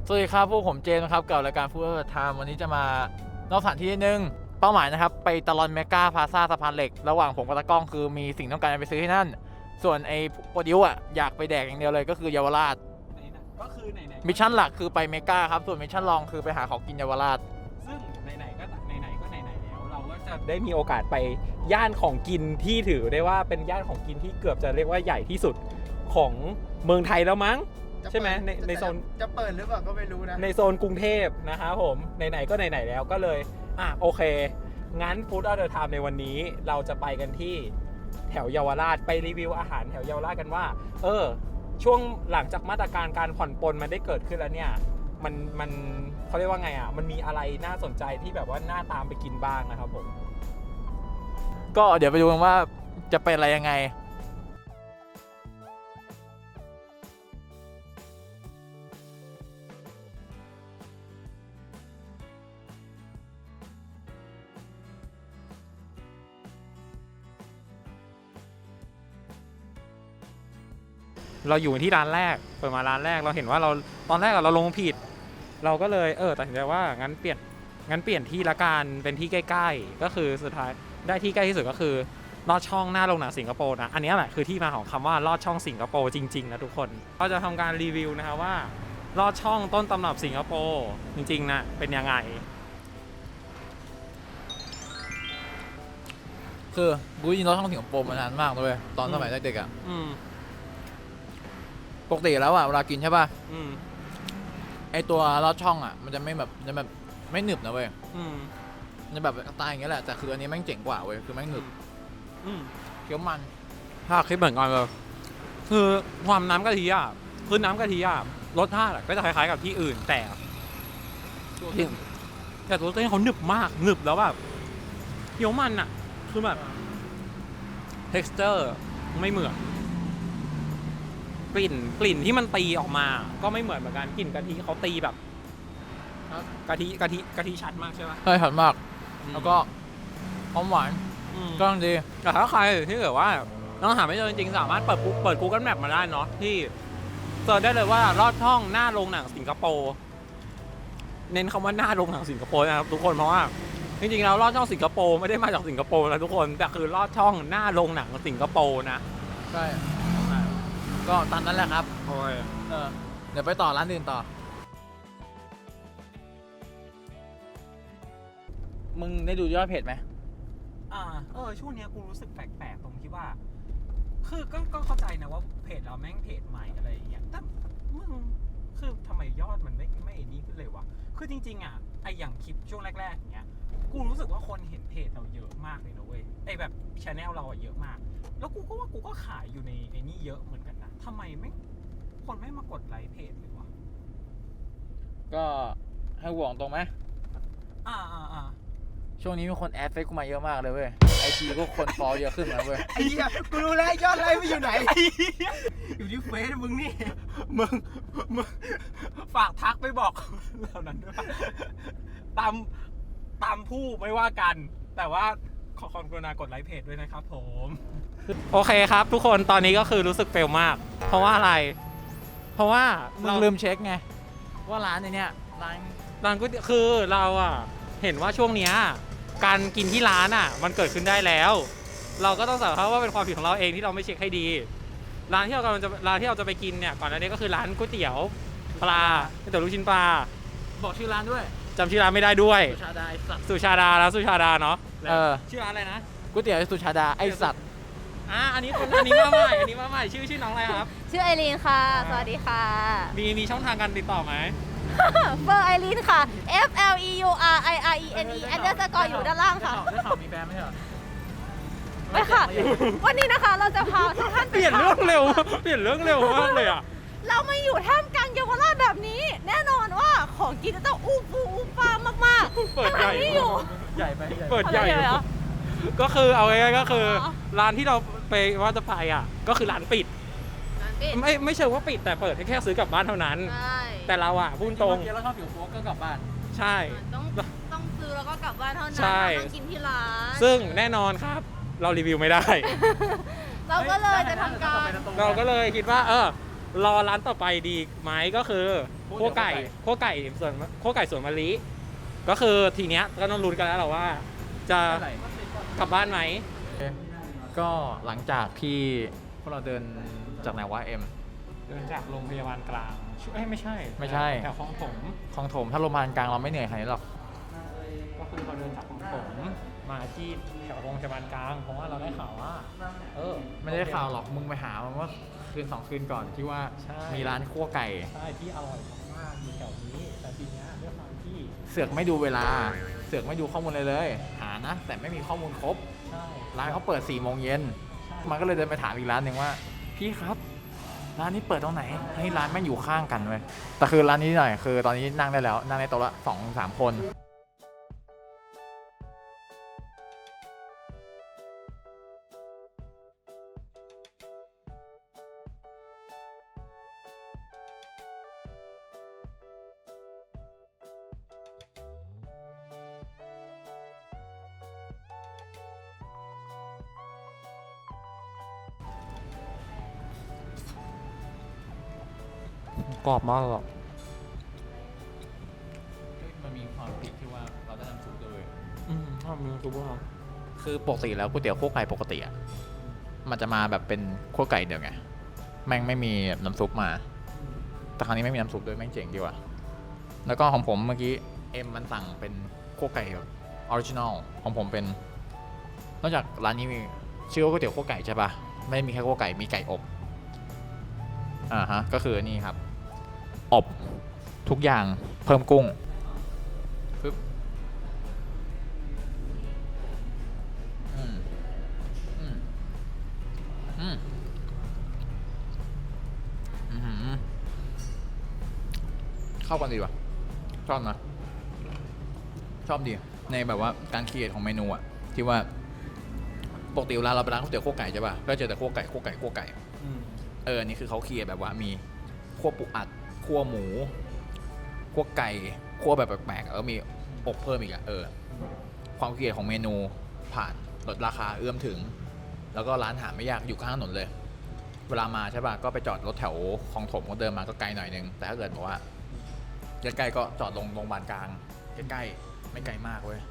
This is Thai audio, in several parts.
สวัสดีครับพวกผมเจมส์นะครับกับรายการฟู้ดไทม์วันนี้จะมานอกสถานที่นิดนึงเป้าหมายนะครับไปตลอนเมกาพลาซ่าสะพานเหล็กระหว่างผมกับตากล้องคือมีสิ่งต้องการไปซื้อที่นั่นส่วนไอ้โปรดิวอ่ะอยากไปแดกอย่างเดียวเลยก็คือเยาวราชก็คือไหนๆมิชชั่นหลักคือไปเมกาครับส่วนมิชชั่นรองคือไปหาของกินเยาวราชซึ่งไหนๆก็ไหนๆแล้วเราก็จะได้มีโอกาสไปย่านของกินที่ถือได้ว่าเป็นย่านของกินที่เกือบจะเรียกว่าใหญ่ที่สุดของเมืองไทยแล้วมั้งใช่ไหมในโซนจะเปิดหรือเปล่าก็ไม่รู้นะในโซนกรุงเทพนะครับผมไหนๆก็ไหนๆแล้วก็เลยโอเคงั้น Food of the Time ในวันนี้เราจะไปกันที่แถวเยาวราชไปรีวิวอาหารแถวเยาวราชกันว่าช่วงหลังจากมาตรการการผ่อนปลนมันได้เกิดขึ้นแล้วเนี่ยมันเขาเรียกว่าไงมันมีอะไรน่าสนใจที่แบบว่าน่าตามไปกินบ้างนะครับผมก็เดี๋ยวไปดูกันว่าจะเป็นอะไรยังไงเราอยู่ที่ร้านแรกเปิดมาร้านแรกเราเห็นว่าเราตอนแรกเราลงผิดเราก็เลยตัดสินใจว่างั้นเปลี่ยนที่ละกันเป็นที่ใกล้ๆก็คือสุดท้ายได้ที่ใกล้ที่สุดก็คือลอดช่องหน้าโรงหนังสิงคโปร์นะอันนี้แหละคือที่มาของคำว่าลอดช่องสิงคโปร์จริงๆนะทุกคนเราจะทำการรีวิวนะครับว่าลอดช่องต้นตำรับสิงคโปร์จริงๆนะเป็นยังไงคือกูยินรถท่องสิงคโปร์มานานมากเลยตอนสมัยเด็กๆอ่ะปกติแล้วอ่ะเวลากินใช่ป่ะไอตัวลอดช่องอ่ะมันจะไม่แบบไม่หนึบนะเว้ยมันจะแบบตายอย่างเงี้ยแหละแต่คืออันนี้แม่งเจ๋งกว่าเว้ยคือแม่งหนึบเคี้ยวมันถ้าคิดเหมือนกันเลยคือความน้ำกะทิอ่ะคือน้ำกะทิอ่ะรสชาติก็จะคล้ายๆกับที่อื่นแต่ตัวเส้นเขาหนึบมากหนึบแล้วแบบเคี้ยวมันอ่ะคือแบบ texture ไม่เหมือนกลิ่นที่มันตีออกมาก็ไม่เหมือนกันกลิ่นกะทิเขาตีแบบกะทิชัดมากใช่ไหมใช่ชัดมากแล้วก็หอมหวานก็ดีแต่ถ้าใครที่เกิดว่าต้องหาไม่เจอจริงๆสามารถเปิด Google Map มาได้เนาะที่เสิร์ชได้เลยว่าลอดช่องหน้าโรงหนังสิงคโปร์เน้นคำว่าหน้าโรงหนังสิงคโปร์นะครับทุกคนเพราะว่าจริงๆแล้วลอดช่องสิงคโปร์ไม่ได้มาจากสิงคโปร์นะทุกคนแต่คือลอดช่องหน้าโรงหนังสิงคโปร์นะใช่ก็ตามนั้นแหละครับโอ้ยเดี๋ยวไปต่อร้านอื่นต่อมึงได้ดูยอดเพจไหมช่วงนี้กูรู้สึกแปลกๆตรงที่ว่าคือก็เข้าใจนะว่าเพจเราแม่งเพจใหม่อะไรอย่างเงี้ยแต่มึงคือทำไมยอดมันไม่นี่ขึ้นเลยวะคือจริงๆไออย่างคลิปช่วงแรกๆอย่างเงี้ยกูรู้สึกว่าคนเห็นเพจเราเยอะมากเลยนะเว้ยไอแบบชาแนลเราเยอะมากแล้วกูก็ว่ากูก็ขายอยู่ในไอนี่เยอะเหมือนกันนะทำไมคนไม่มากดไลค์เพจเลยวะก็ให้หวงตรงไหมช่วงนี้มีคนแอดเฟซกูมาเยอะมากเลยเว้ยไอจีก็คนฟอลเยอะขึ้นนะเว้ยไอ้เหี้ยกูรู้แล้วยอดไลค์ไม่อยู่ไหนอยู่ที่เฟซมึงนี่มึงฝากทักไปบอกเหล่านั้นด้วยตามผู้ไม่ว่ากันแต่ว่าขอความกรุณากดไลค์เพจด้วยนะครับผมโอเคครับทุกคนตอนนี้ก็คือรู้สึกเฟลมากเพราะว่าอะไรเพราะว่ามึงลืมเช็คไงว่าร้านในเนี้ยร้านก๋วยเตี๋ยวคือเราเห็นว่าช่วงเนี้ยการกินที่ร้านมันเกิดขึ้นได้แล้วเราก็ต้องสารภาพว่าเป็นความผิดของเราเองที่เราไม่เช็คให้ดีร้านที่เราจะไปกินเนี่ยก่อนหน้านี้ก็คือร้านก๋วยเตี๋ยวปลาก๋วยเตี๋ยวลูกชิ้นปลาบอกชื่อร้านด้วยจำชื่อร้านไม่ได้ด้วยสุชาดาสุชาดาเนาะชื่อร้านอะไรนะก๋วยเตี๋ยวสุชาดาไอสัตว์อันนี้มาใหม่ชื่อน้องอะไรครับชื่อไอรีนค่ะสวัสดีค่ะมีช่องทางการติดต่อไหมเบอร์ไอรีนค่ะ FLEURIRENE _ อยู่ด้านล่างค่ะได้ข่าวมีแฟนไหมเหรอไม่ค่ะวันนี้นะคะเราจะพาทุกท่านเปลี่ยนเรื่องเร็วมากเลยเราไม่อยู่ท่ามกลางเยาวราชแบบนี้แน่นอนว่าของกินจะต้องอู้ฟ้ามากๆเปิดใหญ่อยู่ใหญ่ไปเปิดใหญ่ก็คือเอาง่ายๆก็คือร้านที่เราไปว่าจะไปก็คือร้านปิดไม่เชิงว่าปิดแต่เปิดให้แค่ซื้อกลับบ้านเท่านั้นแต่เราพูดตรงแล้วชอบผิวโฟก็กลับบ้านใช่ต้องซื้อแล้วก็กลับบ้านเท่านั้นต้องกินที่ร้านซึ่งแน่นอนครับเรารีวิวไม่ได้เราก็เลยจะทำการเราก็เลยคิดว่ารอร้านต่อไปดีไหมก็คือคั่วไก่ส่วนมะลิก็คือทีเนี้ยก็ต้องลุ้นกันแล้วแหละว่า จะกลับบ้านไหมก็หลังจากที่พวกเราเดินจากไหนวะเอ็มเดินจากโรงพยาบาลกลางไม่ใช่ไม่ใช่แถวคลองถมคลองถมถ้าโรงพยาบาลกลางเราไม่เหนื่อยขนาดนี้หรอกก็คือเราเดินจากคลองถมมาที่แถวโรงพยาบาลกลางเพราะว่าเราได้ข่าวว่าไม่ได้ข่าวหรอกมึงไปหามาเมื่อคืน2 คืนก่อนที่ว่าใช่มีร้านคั่วไก่ใช่ที่อร่อยมากๆอยู่แถวนี้แต่ทีเนี้ยด้วยความที่เสือกไม่ดูเวลา เสือกไม่ดูข้อมูลเลย หานะ แต่ไม่มีข้อมูลครบใช่ร้านเขาเปิด4 โมงเย็นมันก็เลยเดินไปถามอีกร้านหนึ่งว่าพี่ครับร้านนี้เปิดตรงไหนให้ร้านแม่งอยู่ข้างกันเว้ยแต่คือร้านนี้หน่อยคือตอนนี้นั่งได้แล้วนั่งในโต๊ะละ2-3 คนกรอบมากหรอมันมีความผิดที่ว่าเราได้น้ำซุปด้วยชอบมีซุปเปอร์คือปกติแล้วก๋วยเตี๋ยวคั่วไก่ปกติอ่ะมันจะมาแบบเป็นคั่วไก่เดียวไงแม่งไม่มีน้ำซุปมาแต่ครั้งนี้ไม่มีน้ำซุปด้วยแม่งเจ๋งดีว่ะแล้วก็ของผมเมื่อกี้เอ็มมันสั่งเป็นคั่วไก่แบบออริจินอลของผมเป็นนอกจากร้านนี้มีชื่อว่าก๋วยเตี๋ยวคั่วไก่ใช่ปะไม่ได้มีแค่คั่วไก่มีไก่อบฮะก็คือนี่ครับอบทุกอย่างเพิ่มกุ้งปึ๊บเข้ากันดีว่ะชอบนะชอบดีในแบบว่าการคิดของเมนูอะที่ว่าปกติเวลาเราไปร้านก๋วยเตี๋ยวคั่วไก่ใช่ป่ะก็เจอแต่คั่วไก่อันนี้คือเขาคิดแบบว่ามีคั่วปูอัดคั่วหมูคั่วไก่คั่วแบบแปลกๆแล้วมีอบเพิ่มอีกอะความคิดของเมนูผ่านลดราคาเอื้อมถึงแล้วก็ร้านหาไม่ยากอยู่ข้างถนนเลยเวลามาใช่ป่ะก็ไปจอดรถแถวคลองถมก็เดินมาก็ไกลหน่อยนึงแต่ถ้าเกิดบอกว่าใกล้ๆก็จอดลงโรงพยาบาลกลางใกล้ๆไม่ไกลมากเว้ย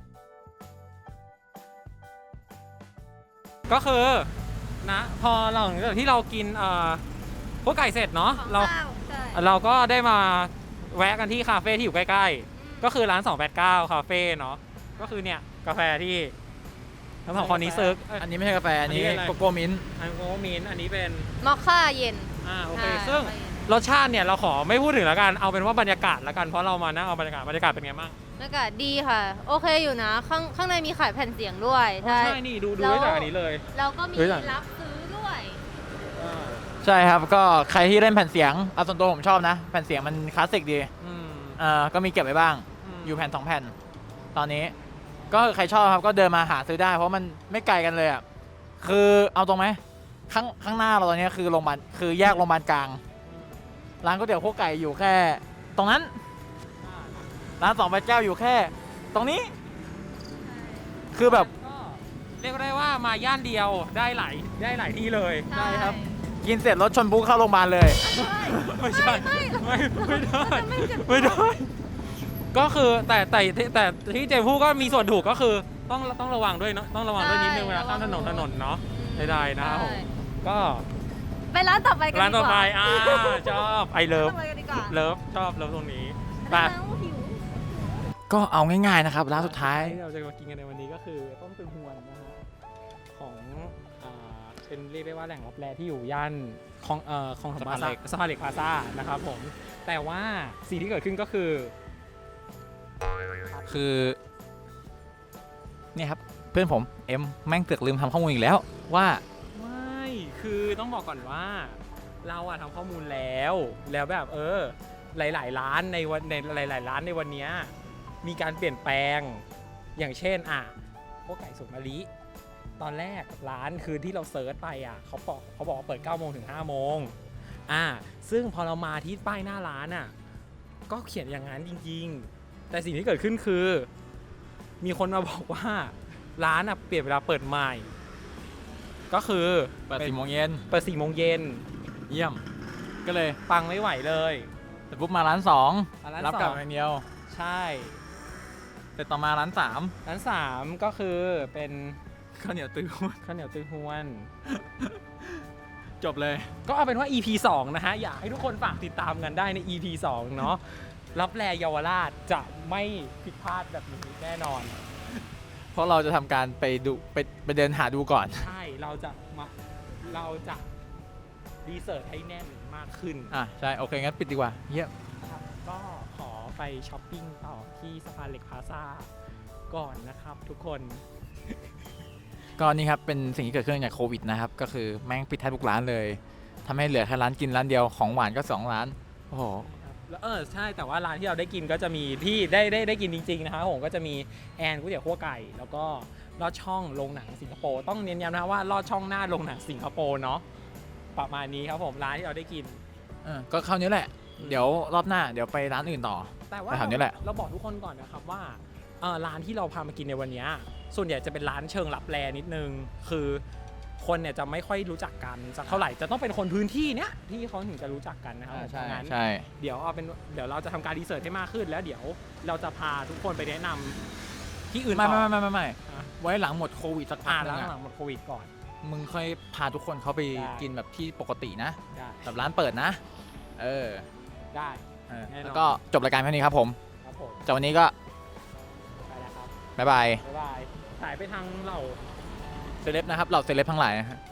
ก็คือนะพอหลังจากที่เรากินพวกไก่เสร็จเนาะเราก็ได้มาแวะกันที่คาเฟ่ที่อยู่ใกล้ๆก็คือร้าน289คาเฟ่เนาะก็คือเนี่ยกาแฟที่ทั้งสองคนนี้ซื้ออันนี้ไม่ใช่กาแฟอันนี้อันนี้เป็นอะไรโกโก้มิ้นท์อันโกมินอันนี้เป็นมอคค่าเย็นโอเคซึ่งรสชาติเนี่ยเราขอไม่พูดถึงแล้วกันเอาเป็นว่าบรรยากาศแล้วกันเพราะเรามานั่งเอาบรรยากาศเป็นไงบ้างบรรยากาศดีค่ะ โอเคอยู่นะ ข้างในมีขายแผ่นเสียงด้วยใช่ใช่นี่ดูได้จากอันนี้เลยแล้วก็มีเฮ้ยหลังรับซื้อด้วยใช่ครับก็ใครที่เล่นแผ่นเสียงเอาส่วนตัวผมชอบนะแผ่นเสียงมันคลาสสิกดีก็มีเก็บไว้บ้างอยู่แผ่น2 แผ่นตอนนี้ก็ใครชอบครับก็เดินมาหาซื้อได้เพราะมันไม่ไกลกันเลยอ่ะคือเอาตรงไหมข้างหน้าเราตอนนี้คือโรงพยาบาลคือแยกโรงพยาบาลกลางร้านก๋วยเตี๋ยวคั่วไก่อยู่แค่ตรงนั้นร้าน289อยู่แค่ตรงนี้คือแบบก็เรียกได้ว่ามาย่านเดียวได้หลายที่เลยใช่ครับ กินเสร็จรถชนปุ๊บเข้าโรงพยาบาลเลยไม่ใช่ ไม่ได้ก็คือแต่ที่เจพูดก็มีส่วนถูกก็คือต้องระวังด้วยเนาะต้องระวังด้วยนิดนึงเวลาข้ามถนนเนาะได้นะครับผมก็ไปร้านต่อไปกันดีกว่าร้านต่อไปชอบไอเลิฟร้านต่อไปกันดีกว่าชอบเลิฟตรงนี้ร้าแต่นหิวก็เอาง่ายๆนะครับร้านสุดท้ายที่เราจะมากินกันในวันนี้ก็คือต้มตึงฮวนนะฮะของเป็นเรียกได้ว่าแหล่งรับแลที่อยู่ย่านของสะพานเหล็กพลาซ่านะครับผมแต่ว่าสิ่งที่เกิดขึ้นก็คือเนี่ยครับเพื่อนผมเอ็มแม่งเกือกลืมทำข้อมูลอีกแล้วว่าไม่คือต้องบอกก่อนว่าเราอะทำข้อมูลแล้วแบบหลายๆร้านในหลายๆร้านในวันนี้มีการเปลี่ยนแปลงอย่างเช่นพวกไก่สุกมะลิตอนแรกร้านคือที่เราเซิร์ชไปเขาบอกว่าเปิด9 โมงถึง5 โมงซึ่งพอเรามาที่ป้ายหน้าร้านก็เขียนอย่างนั้นจริงๆแต่สิ่งที่เกิดขึ้นคือมีคนมาบอกว่าร้านเปลี่ยนเวลาเปิดใหม่ก็คือเปิด4 โมงเย็นเปิด4 โมงเย็นเยี่ยมก็เลยปังไม่ไหวเลยแต่ปุ๊บมาร้านสองร้านรับกลับสองอย่างเดียวใช่แต่ต่อมาร้านสามร้านสามก็คือเป็นข้าวเหนียวตื้อข้าวเหนียวตื้อฮวนจบเลยก็เอาเป็นว่า EP 2 นะฮะ อยากให้ทุกคนฝากติดตามกันได้ใน EP 2 เนาะรับแลเยาวราชจะไม่ผิดพลาดแบบนี้แน่นอนเพราะเราจะทำการไปดูไปเดินหาดูก่อนใช่เราจะรีเสิร์ชให้แน่นมากขึ้นอ่ะใช่ โอเค งั้นปิดดีกว่าเยี่ยมครับก็ขอไปช้อปปิ้งต่อที่สะพานเหล็กพลาซ่าก่อนนะครับทุกคนก็นี่ครับ เป็นสิ่งที่เกิดขึ้นจากโควิดนะครับ ก็คือแม่งปิดแทบทุกร้านเลยทำให้เหลือแค่ร้านกินร้านเดียวของหวานก็2ร้าน โอ้โหแล้วใช่แต่ว่าร้านที่เราได้กินก็จะมีที่ได้กินจริงๆนะครับผมก็จะมีแอนก๋วยเตี๋ยวคั่วไก่ แล้วก็ลอดช่องโรงหนังสิงคโปร์ต้องเน้นย้ำนะว่าลอดช่องหน้าโรงหนังสิงคโปร์เนาะประมาณนี้ครับผมร้านที่เราได้กินก็เข้านี้แหละ เดี๋ยวรอบหน้าเดี๋ยวไปร้านอื่นต่อแต่ว่าไปแถวนี้แหละเราบอกทุกคนก่อนนะครับว่าร้านที่เราพามากินในวันเนี้ยส่วนใหญ่จะเป็นร้านเชิงลับแลนิดนึงคือคนเนี่ยจะไม่ค่อยรู้จักกันสักเท่าไหร่จะต้องเป็นคนพื้นที่เนี้ยที่เขาถึงจะรู้จักกันนะครับเพใช่ราะงั้นใช่เดี๋ยวเราจะทำการรีเสิร์ชให้มากขึ้นแล้วเดี๋ยวเราจะพาทุกคนไปแนะนำที่อื่นไม่ต่อไม่อ่ะไว้หลังหมดโควิดสักพักนึแล้วงหลัอะงหมดโควิดก่อนมึงค่อยพาทุกคนเขาไปได้กินแบบที่ปกตินะได้แบบร้านเปิดนะ เออได้ แน่นอนแล้วก็จบรายการแค่นี้ครับผมครับผมจากวันนี้ก็ไปแล้วครับบ๊ายบายบ๊ายบายสายไปทางเราเซเลบนะครับ เราเซเลบทั้งหลายนะฮะ